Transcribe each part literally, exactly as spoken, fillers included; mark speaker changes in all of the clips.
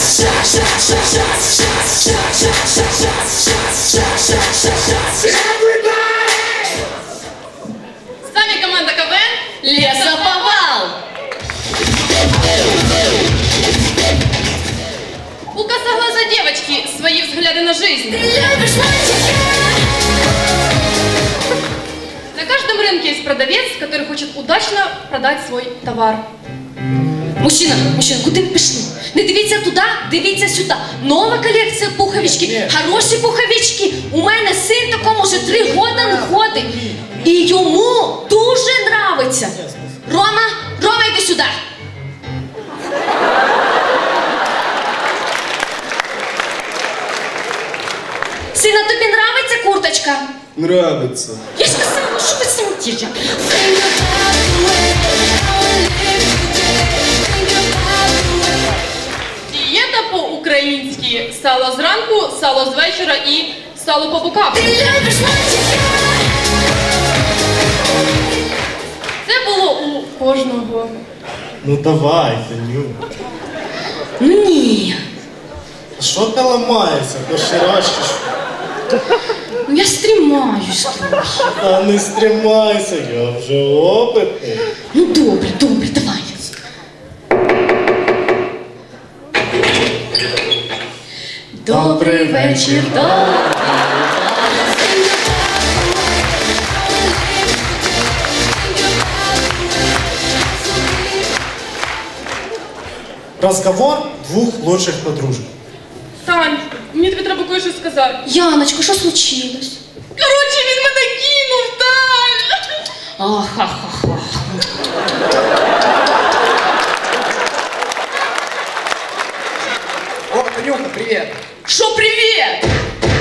Speaker 1: С вами команда КВН «Лесоповал». У косоглазой девочки свои взгляды на жизнь. На каждом рынке есть продавец, который хочет удачно продать свой товар.
Speaker 2: Мужчина, мужчина, куди ви пішли? Не дивіться туди, дивіться сюди. Нова колекція пуховички, хороші пуховички. У мене син такому вже три роки не ходить. І йому дуже нравиться. Рома, Рома, йди сюди. Сина, тобі нравиться курточка?
Speaker 3: Нравится.
Speaker 2: Я ж казала, що ви смутіте.
Speaker 1: Дієта по-українськи – сало зранку, сало з вечора і сало по бокам. Це було у кожного.
Speaker 3: Ну давай, Таню.
Speaker 2: Ну ні.
Speaker 3: Що ти ламаєшся? То ще раз чи що?
Speaker 2: Ну я стримаюсь трохи.
Speaker 3: Та не стримайся, я вже опитний.
Speaker 2: Ну добре, добре, давай. Добрий вечір, добрий.
Speaker 3: Разговор двух лучших подружек.
Speaker 1: Тань, мені тобі треба кое-що сказати.
Speaker 2: Яночко, що случилось?
Speaker 1: Коротше, він мене кинув, Тань!
Speaker 2: Ахахаха.
Speaker 4: О, Танюха, привет!
Speaker 2: Що привіт?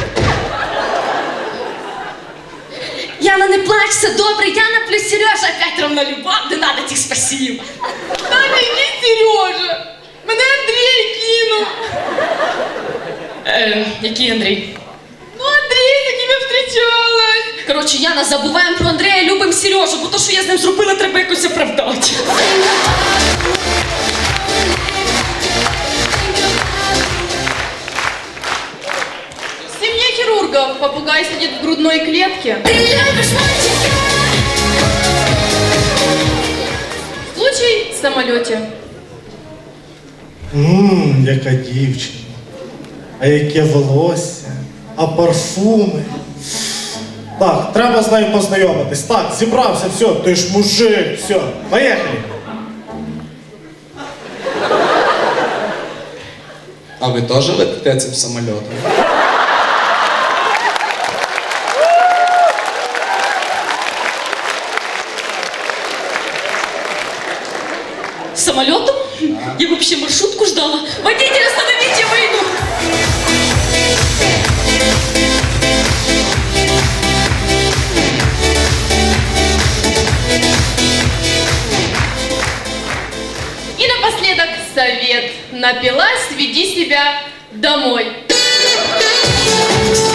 Speaker 2: Яна, не плачь, все добре. Яна плюс Сережа опять равно любов. Не надо тих спасибо.
Speaker 1: Таня, який Сережа? Мене Андрій кинув.
Speaker 2: Е, який Андрій?
Speaker 1: Ну, Андрій, з яким я зустрічалась.
Speaker 2: Коротше, Яна, забуваємо про Андрія, любимо Сережу, бо то, що я з ним зробила, треба якось оправдати.
Speaker 1: В семье хирургов попугай сидит в грудной клетке. Случай в самолете.
Speaker 3: Ммм, яка дівчина. А яке волосся, а парфуми. Так, треба з нею познайомитись. Так, зібрався, все, ти ж мужик, все, поїхали.
Speaker 4: А ви теж летите цим самольотом?
Speaker 2: Самолетом? Я вообще маршрутку ждала. Водитель, остановите, я выйду.
Speaker 1: И напоследок совет. Напилась, веди себя домой.